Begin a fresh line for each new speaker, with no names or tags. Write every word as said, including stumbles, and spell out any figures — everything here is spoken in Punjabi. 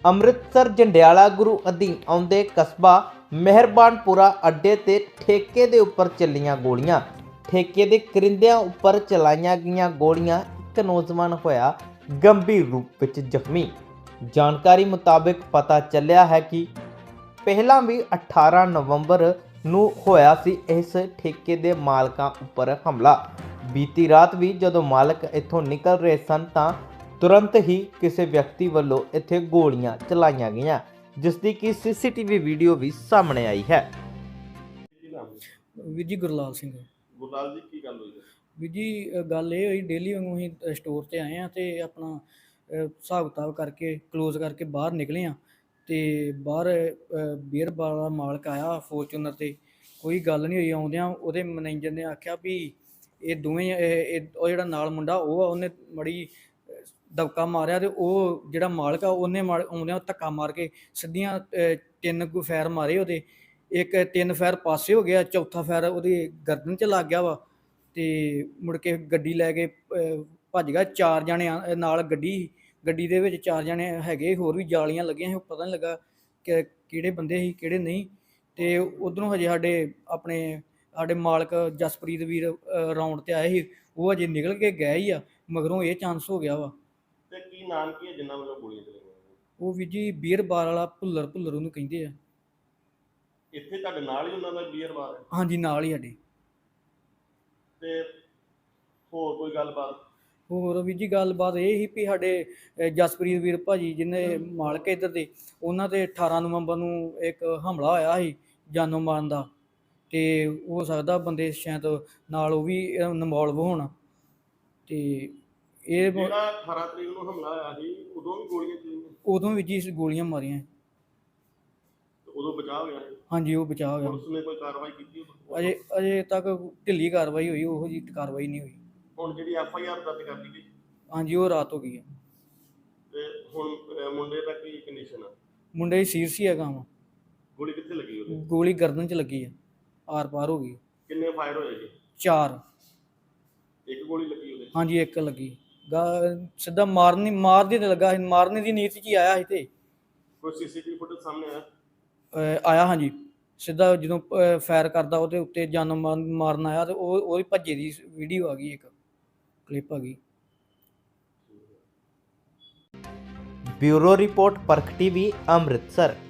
ਅੰਮ੍ਰਿਤਸਰ ਜੰਡਿਆਲਾ ਗੁਰੂ ਅਧੀਨ ਆਉਂਦੇ ਕਸਬਾ ਮਿਹਰਬਾਨਪੁਰਾ ਅੱਡੇ ਤੇ ਠੇਕੇ ਦੇ ਉੱਪਰ ਚੱਲੀਆਂ ਗੋਲੀਆਂ। ਠੇਕੇ ਦੇ ਕਰਿੰਦਿਆਂ ਉੱਪਰ ਚਲਾਈਆਂ ਗਈਆਂ ਗੋਲੀਆਂ, ਇੱਕ ਨੌਜਵਾਨ ਹੋਇਆ ਗੰਭੀਰ ਰੂਪ ਵਿੱਚ ਜ਼ਖਮੀ। ਜਾਣਕਾਰੀ ਮੁਤਾਬਕ ਪਤਾ ਚੱਲਿਆ ਹੈ ਕਿ ਪਹਿਲਾਂ ਵੀ ਅਠਾਰਾਂ ਨਵੰਬਰ ਨੂੰ ਹੋਇਆ ਸੀ ਇਸ ਠੇਕੇ ਦੇ ਮਾਲਕਾਂ ਉੱਪਰ ਹਮਲਾ। ਬੀਤੀ ਰਾਤ ਵੀ ਜਦੋਂ ਮਾਲਕ ਇੱਥੋਂ ਨਿਕਲ ਰਹੇ ਸਨ ਤਾਂ ਤੁਰੰਤ ਹੀ ਕਿਸੇ ਵਿਅਕਤੀ ਵੱਲੋਂ ਇੱਥੇ ਗੋਲੀਆਂ ਚਲਾਈਆਂ ਗਈਆਂ, ਜਿਸ ਦੀ ਕਿ ਸੀਸੀਟੀਵੀ ਵੀਡੀਓ ਵੀ ਸਾਹਮਣੇ ਆਈ ਹੈ।
ਵੀਰ ਜੀ ਗੁਰਲਾਲ ਸਿੰਘ।
ਗੁਰਲਾਲ ਜੀ ਕੀ ਗੱਲ ਹੋਈ ਹੈ?
ਵੀਰ ਜੀ ਅ, ਗੱਲ ਇਹ ਹੋਈ, ਡੇਲੀ ਵਾਂਗੂ ਅਸੀਂ ਸਟੋਰ ਤੇ ਆਏ ਆ ਤੇ ਆਪਣਾ ਅ, ਹਿਸਾਬ ਕਿਤਾਬ ਕਰਕੇ ਕਲੋਜ਼ ਕਰਕੇ ਬਾਹਰ ਨਿਕਲੇ ਆ ਤੇ ਬਾਹਰ ਬੀਅਰ ਬਾਰ ਦਾ ਮਾਲਕ ਆਇਆ ਫੋਰਚੂਨਰ ਤੇ। ਕੋਈ ਗੱਲ ਨਹੀਂ ਹੋਈ, ਆਉਂਦਿਆਂ ਉਹਦੇ ਮੈਨੇਜਰ ਨੇ ਆਖਿਆ ਵੀ ਇਹ ਦੋਵੇਂ ਇਹ- ਇਹ- ਉਹ ਜਿਹੜਾ ਨਾਲ ਮੁੰਡਾ ਉਹ ਆ, ਉਹਨੇ ਮੜੀ ਦਬਕਾ ਮਾਰਿਆ ਤੇ ਉਹ ਜਿਹੜਾ ਮਾਲਕ ਆ ਉਹਨੇ ਮਾਰ ਆਉਂਦਿਆਂ ਧੱਕਾ ਮਾਰ ਕੇ ਸਿੱਧੀਆਂ ਅ, ਤਿੰਨ ਕੁ ਫੈਰ ਮਾਰੇ ਉਹਦੇ। ਇੱਕ ਤਿੰਨ ਫੈਰ ਪਾਸੇ ਹੋ ਗਿਆ, ਚੌਥਾ ਫੈਰ ਉਹਦੀ ਗਰਦਨ 'ਚ ਲੱਗ ਗਿਆ ਵਾ ਤੇ ਮੁੜ ਕੇ ਗੱਡੀ ਲੈ ਕੇ ਅ, ਭੱਜ ਗਿਆ। ਚਾਰ ਜਣੇ ਆ- ਨਾਲ ਗੱਡੀ ਗੱਡੀ ਦੇ ਵਿੱਚ ਚਾਰ ਜਣੇ ਹੈਗੇ, ਹੋਰ ਵੀ ਜਾਲੀਆਂ ਲੱਗੀਆਂ ਸੀ, ਪਤਾ ਨਹੀਂ ਲੱਗਾ ਕਿ ਕਿਹੜੇ ਬੰਦੇ ਸੀ ਕਿਹੜੇ ਨਹੀਂ। ਤੇ ਉਧਰੋਂ ਹਜੇ ਸਾਡੇ ਆਪਣੇ ਸਾਡੇ ਮਾਲਕ ਜਸਪ੍ਰੀਤ ਵੀਰ ਰਾਉਂਡ ਤੇ ਆਏ ਸੀ, ਉਹ ਹਜੇ ਨਿਕਲ ਕੇ ਗਏ ਹੀ ਆ, ਮਗਰੋਂ ਇਹ ਚਾਂਸ ਹੋ ਗਿਆ ਵਾ।
ਤੇ ਕੀ ਨਾਮ ਕੀ ਹੈ ਜਿੰਨਾਂ ਵੱਲੋਂ ਗੋਲੀਆਂ ਚਲਾਈਆਂ?
ਉਹ ਵੀਰ ਜੀ ਬੀਅਰ ਬਾਰ ਵਾਲਾ ਭੁੱਲਰ ਭੁੱਲਰ ਉਹਨੂੰ ਕਹਿੰਦੇ ਆ।
ਇੱਥੇ ਤੁਹਾਡੇ ਨਾਲ ਹੀ ਉਹਨਾਂ ਦਾ ਬੀਅਰ ਬਾਰ ਹੈ?
ਹਾਂਜੀ, ਨਾਲ ਹੀ ਸਾਡੇ।
ਤੇ ਹੋਰ ਕੋਈ ਗੱਲਬਾਤ?
ਹੋਰ ਵੀਰ ਜੀ ਗੱਲਬਾਤ ਇਹ ਸੀ ਵੀ ਸਾਡੇ ਅ, ਜਸਪ੍ਰੀਤ ਵੀਰ ਭਾਜੀ ਜਿਹਨੇ ਮਾਲਕ ਇੱਧਰ ਦੇ, ਉਹਨਾਂ ਤੇ ਅਠਾਰਾਂ ਨਵੰਬਰ ਨੂੰ ਇੱਕ ਹਮਲਾ ਹੋਇਆ ਸੀ ਜਾਨੋਂ ਮਾਰਨ ਦਾ, ਤੇ ਹੋ ਸਕਦਾ ਬੰਦੇ ਸ਼ਾਇਦ ਨਾਲ ਉਹ ਵੀ ਇਨਵੋਲਵ ਹੋਣ। ਤੇ ਇਹ
ਜਿਹੜਾ ਅਠਾਰਾਂ ਤਰੀਕ ਨੂੰ ਹਮਲਾ ਹੋਇਆ ਸੀ ਉਦੋਂ ਵੀ ਗੋਲੀਆਂ ਚਲਾਈਆਂ?
ਉਦੋਂ ਵੀ ਜੀ ਗੋਲੀਆਂ ਮਾਰੀਆਂ।
ਤੇ ਉਦੋਂ ਬਚਾਅ ਹੋ ਗਿਆ ਸੀ?
ਹਾਂਜੀ, ਉਹ ਬਚਾਅ ਹੋ ਗਿਆ।
ਪੁਲਿਸ ਨੇ ਕੋਈ ਕਾਰਵਾਈ ਕੀਤੀ ਉਦੋਂ?
ਅਜੇ ਅਜੇ ਤੱਕ ਢਿੱਲੀ ਕਾਰਵਾਈ ਹੋਈ, ਉਹੋ ਜਿਹੀ ਕਾਰਵਾਈ ਨਹੀਂ ਹੋਈ।
ਹੁਣ ਜਿਹੜੀ ਐਫ ਆਈ ਆਰ ਦਰਜ ਕਰ ਲਈ ਗਈ
ਹਾਂਜੀ, ਉਹ ਰਾਤ ਹੋ ਗਈ ਆ।
ਤੇ ਹੁਣ ਅਹ, ਮੁੰਡੇ ਦਾ ਕੀ ਕੰਡੀਸ਼ਨ ਆ?
ਮੁੰਡੇ ਸੀਰੀਅਸ ਹੀ ਹੈਗਾ ਵਾ,
ਗੋਲੀ ਕਿੱਥੇ ਲੱਗੀ ਉਹਦੇ?
ਗੋਲੀ ਗਰਦਨ 'ਚ ਲੱਗੀ ਆ, ਆਰ ਪਾਰ ਹੋ ਗਈ।
ਕਿੰਨੇ ਫਾਇਰ ਹੋਏ ਜੀ?
ਚਾਰ।
ਇੱਕ ਗੋਲੀ ਲੱਗੀ ਉਹਦੇ?
ਹਾਂਜੀ, ਇੱਕ ਲੱਗੀ। ਗਾ ਸਿੱਧਾ ਮਾਰਨੀ ਮਾਰਦੀ ਤੇ ਲੱਗਾ ਸੀ, ਮਾਰਨੇ ਦੀ ਨੀਤ 'ਚ ਹੀ ਆਇਆ ਸੀ। ਤੇ
ਕੋਈ ਸੀਸੀਟੀਵੀ ਫੁਟੇਜ ਸਾਹਮਣੇ ਆਇਆ?
ਅ, ਆਇਆ ਹਾਂਜੀ, ਸਿੱਧਾ ਜਦੋਂ ਫਾਇਰ ਕਰਦਾ ਉਹਦੇ ਉੱਤੇ ਜਾਨੋਂ ਮਾਰ- ਮਾਰਨ ਆਇਆ ਤੇ ਉਹ ਉਹਦੀ ਭੱਜੇ ਦੀ ਵੀਡੀਓ ਆ ਗਈ, ਇੱਕ ਕਲਿੱਪ ਆ ਗਈ।
Bureau report, Parakh TV, Amritsar.